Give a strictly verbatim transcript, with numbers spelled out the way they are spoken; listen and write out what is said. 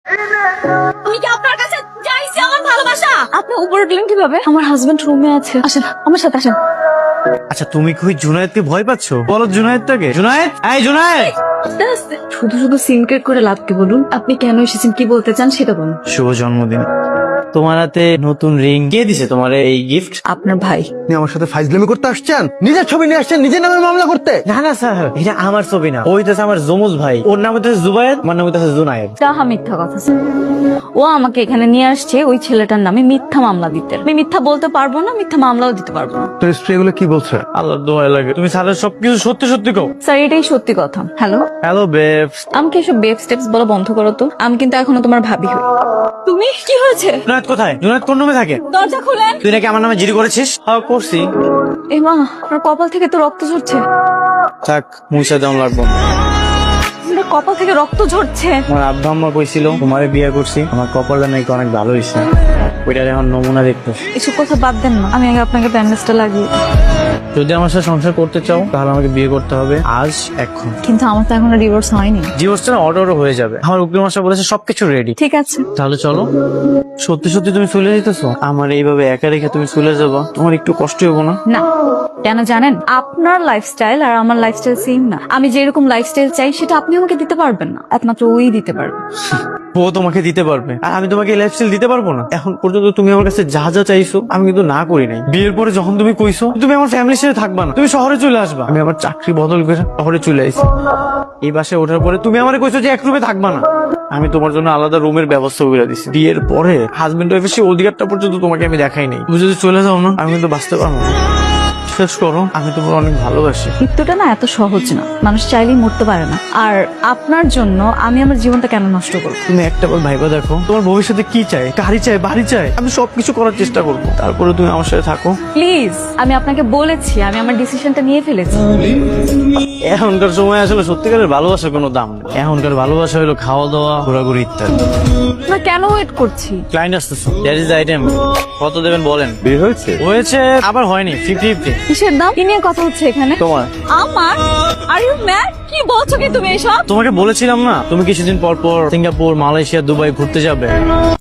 আমি কি আপনার কাছে চাইছি আমার ভালোবাসা? আপনি উপরে উঠলেন কিভাবে? আমার হাজবেন্ড রুমে আছে। আসেন আমার সাথে আসেন। আচ্ছা তুমি কি জুনায়েদকে ভয় পাচ্ছ? বলো জুনায়েদটাকে। জুনায়েদ, এই জুনায়েদ। আস্তে আস্তে। শুধু শুধু সিনক্রেট করে লাভ কি বলুন? আপনি কেন এসেছেন, কি বলতে চান সেটা বলুন। শুভ জন্মদিন। তোমার হাতে নতুন রিং কে দিছে তোমার এই গিফট? আপনার ভাই। আপনি আমার সাথে ফাইজলামি করতে আসছেন? নিজের ছবি নিয়ে আসছেন নিজের নামে মামলা করতে? না না স্যার, এটা আমার ছবি না, ওই হইতেছে আমার জমজ ভাই। ওর নাম হইতেছে জুবায়েদ, আমার নাম হইতেছে জুনায়েদ। তাহা মিথ্যা কথা স্যার। ও আমাকে এখানে নিয়ে আসছে ওই ছেলেটার নামে মিথ্যা মামলা দিতে। আমি মিথ্যা বলতে পারবো না, মিথ্যা মামলাও দিতে পারবো না। তোর স্ত্রী এগুলো কি বলছে? আল্লাহর দোয়া লাগে তুমি স্যারের সবকিছু সত্যি সত্যি কও। স্যার এটাই সত্যি কথা। Hello, hello babes. আমাকে এসব বেব স্টেপস বলা বন্ধ করো তো। আমি কিন্তু এখনো তোমার ভাবি হই। তুমি কি হয়েছে? জুনায়েদ কোথায়? জুনায়েদ কোন রুমে থাকে? দরজা খুলেন। তুই নাকি আমার নামে জিডি করেছিস? হ্যাঁ করছি। এ মা, আপনার কপাল থেকে তো রক্ত ঝরছে। থাক, মুছে দেওয়া লাগবো না। আপনার কপাল থেকে রক্ত ঝরছে। আমার আব্বা আম্মা কইছিল তোমারে বিয়ে করছি, আমার কপালটা নাকি অনেক ভালো হয়েছে। ওইটার এখন নমুনা দেখতে। এসব কথা বাদ দেন না, আমি আগে আপনাকে ব্যান্ডেজটা লাগিয়ে দিই। যদি আমার সাথে সংসার করতে চাও তাহলে আমাকে বিয়ে করতে হবে আজ, এখন। কিন্তু আমার তো এখনো ডিভোর্স হয়নি। ডিভোর্সটা অর্ডারও হয়ে যাবে, আমার উকিল মশাই বলেছে সবকিছু রেডি। ঠিক আছে, তাহলে চলো। সত্যি সত্যি তুমি চলে যেতেছো? আমার এইভাবে একা রেখে তুমি চলে যাবো, তোমার একটু কষ্ট হবো না? না কেন জানেন, আপনার লাইফস্টাইল আর আমার লাইফস্টাইল সেম না। আমি যেরকম লাইফস্টাইল চাই সেটা আপনি আমাকে দিতে পারবেন না, একমাত্র ওই দিতে পারবে। ও তোমাকে দিতে পারবে আর আমি তোমাকে লাইফস্টাইল দিতে পারবো না? এখন পর্যন্ত তুমি আমার কাছে যা যা চাইছো আমি কিন্তু না করি নাই। বিয়ের পরে যখন তুমি কইছো তুমি আমার ফ্যামিলির সাথে থাকবা না, তুমি শহরে চলে আসবা, আমি আমার চাকরি বদল করে শহরে চলে আসি। এই বাসায় ওঠার পরে তুমি আমার কইছো যে এক রুমে থাকবা না, আমি তোমার জন্য আলাদা রুমের ব্যবস্থা করে দিছি। বিয়ের পরে হাজবেন্ড ওয়াইফের সেই অধিকারটা পর্যন্ত তোমাকে আমি দেখাই নাই। তুমি যদি চলে যাও না আমি কিন্তু বাঁচতে পারবো না। শেষ করো, আমি তোমার অনেক ভালোবাসি। মৃত্যুটা না এত সহজ না, মানুষ চাইলেই মরতে পারে না। আর আপনার জন্য আমি আমার জীবনটা কেন নষ্ট করবো? তুমি একটা বার ভাইবা দেখো তোমার ভবিষ্যতে কি চাই, গাড়ি চাই, বাড়ি চাই, আমি সবকিছু করার চেষ্টা করবো, তারপরে তুমি আমার সাথে থাকো প্লিজ। আমি আপনাকে বলেছি আমি আমার ডিসিশনটা নিয়ে ফেলেছি। এখনকার সময় আসলে সত্যিকারের ভালোবাসার কোনো দাম নেই। এখনকার ভালোবাসা হলো খাওয়া দাওয়া, ঘোরাঘুরি ইত্যাদি। না কেন ওয়েট করছি? ক্লায়েন্ট আসতেছে, দ্যাট ইজ আইটেম। কত দেবেন বলেন? বিয়ে হয়েছে? হয়েছে আবার হয়নি, ফিফটি ফিফটি। কিসের দাম? কি নিয়ে কথা হচ্ছে এখানে? তোমার। আমার? Are you mad? কি বলছো কি তুমি এসব? তোমাকে বলেছিলাম না তুমি কিছুদিন পর পর সিঙ্গাপুর, মালয়েশিয়া, দুবাই ঘুরতে যাবে।